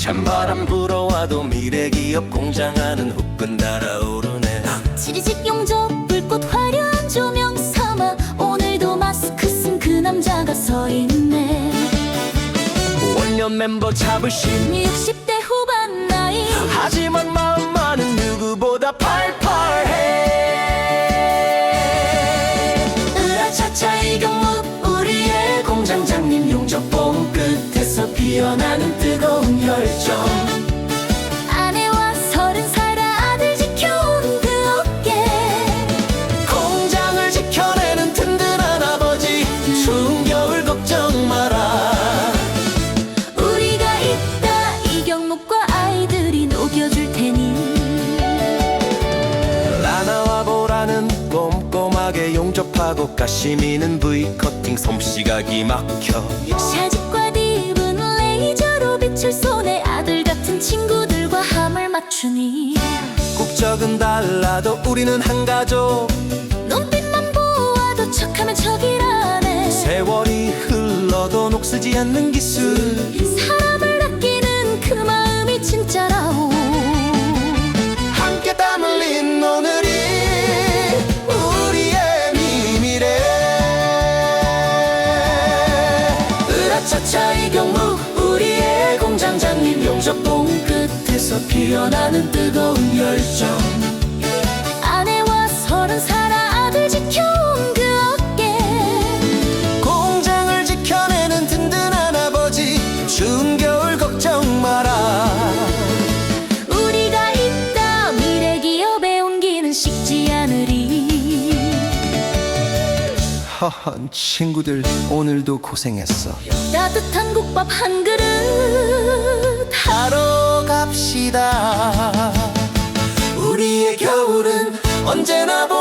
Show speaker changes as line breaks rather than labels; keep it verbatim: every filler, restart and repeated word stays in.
찬바람 불어와도 미래기업 공장하는 후끈 달아오르네.
지리직 용접 불꽃 화려한 조명 삼아 오늘도 마스크 쓴 그 남자가 서 있네.
원년 멤버 잡으신
육십 대 후반 나이,
하지만 마음만은 누구보다 팔팔해. 으라차차 이경묵 우리의 공장장님, 용접봉 끝에서 피어나는 뜨거운 열정.
아내와 서른 살 아들 지켜온 그 어깨,
공장을 지켜내는 든든한 아버지, 추운 겨울 걱정 마라.
우리가 있다 이경묵과 아이들이 녹여줄 테니.
라나와 보라는 꼼꼼하게 용접하고 가시미는 V커팅 솜씨가 기막혀.
샤집과 딥은 레이저로 빛을 쏘네. 아들 같은 친구들과 함을 맞추니.
국적은 달라도 우리는 한 가족.
눈빛만 보아도 척하면 척이라네.
세월이 흘러도 녹슬지 않는 기술.
사람을 아끼는 그 마음이 진짜라오.
함께 땀 흘린 오늘이 우리의 미래. 으라차차 이경묵 우리의 공장장님, 용접봉 끝에서 피어나는 뜨거운 열정.
아내와 서른 살 아들 지켜온 그 어깨,
공장을 지켜내는 든든한 아버지, 추운 겨울 걱정 마라.
우리가 있다 미래 기업의 온기는 식지 않으리.
허허, 친구들 오늘도 고생했어.
따뜻한 국밥 한 그릇
하러 갑시다. 우리의 겨울은 언제나